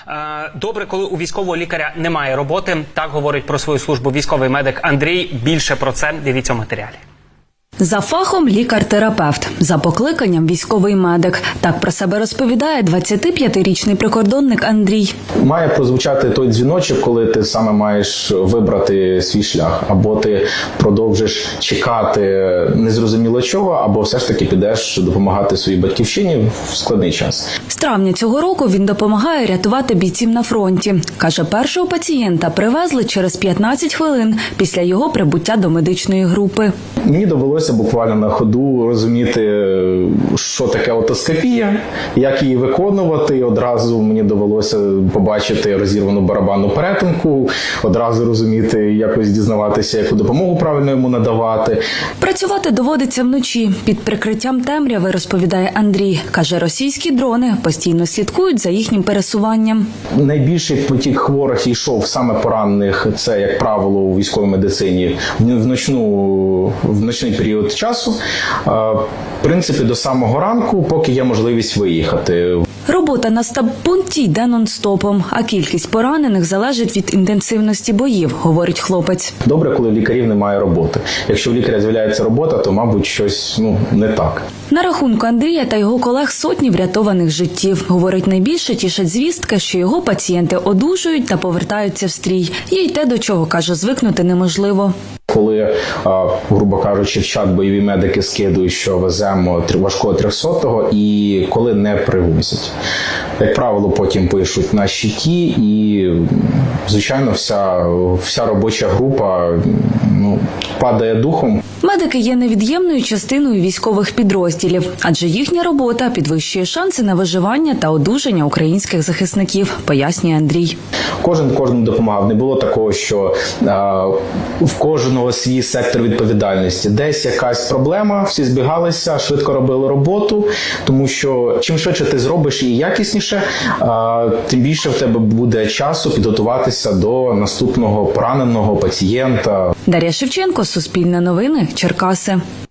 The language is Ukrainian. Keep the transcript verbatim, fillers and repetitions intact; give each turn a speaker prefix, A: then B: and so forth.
A: Добре, коли у військового лікаря немає роботи. Так говорить про свою службу військовий медик Андрій. Більше про це дивіться в матеріалі.
B: За фахом лікар-терапевт, за покликанням військовий медик. Так про себе розповідає двадцятип'ятирічний прикордонник Андрій.
C: Має прозвучати той дзвіночок, коли ти саме маєш вибрати свій шлях. Або ти продовжиш чекати незрозуміло чого, або все ж таки підеш допомагати своїй батьківщині в складний час.
B: З травня цього року він допомагає рятувати бійців на фронті. Каже, першого пацієнта привезли через п'ятнадцять хвилин після його прибуття до медичної групи.
C: Мені довелося буквально на ходу розуміти, що таке отоскопія, як її виконувати. Одразу мені довелося побачити розірвану барабанну перетинку, одразу розуміти, якось дізнаватися, яку допомогу правильно йому надавати.
B: Працювати доводиться вночі. Під прикриттям темряви, розповідає Андрій. Каже, російські дрони постійно слідкують за їхнім пересуванням.
C: Найбільший потік хворих йшов саме поранених, це, як правило, у військовій медицині, в ночну, в ночний період часу, в принципі, до самого ранку, поки є можливість виїхати.
B: Робота на стаб-пункті йде нон-стопом, а кількість поранених залежить від інтенсивності боїв, говорить хлопець.
C: Добре, коли в лікарів немає роботи. Якщо в лікаря з'являється робота, то, мабуть, щось ну, не так.
B: На рахунку Андрія та його колег сотні врятованих життів. Говорить, найбільше тішать звістки, що його пацієнти одужують та повертаються в стрій. Є й те, до чого, каже, звикнути неможливо.
C: Коли, грубо кажучи, в чат бойові медики скидують, що веземо важкого трьохсотого, і коли не привозять. Як правило, потім пишуть на щиті, і, звичайно, вся, вся робоча група ну, падає духом.
B: Медики є невід'ємною частиною військових підрозділів, адже їхня робота підвищує шанси на виживання та одужання українських захисників, пояснює Андрій.
C: Кожен кожному допомагав. Не було такого, що а, в кожного свій сектор відповідальності. Десь якась проблема, всі збігалися, швидко робили роботу, тому що чим швидше ти зробиш і якісніше, а, тим більше в тебе буде часу підготуватися до наступного пораненого пацієнта.
B: Дар'я Шевченко, Суспільне новини, Черкаси.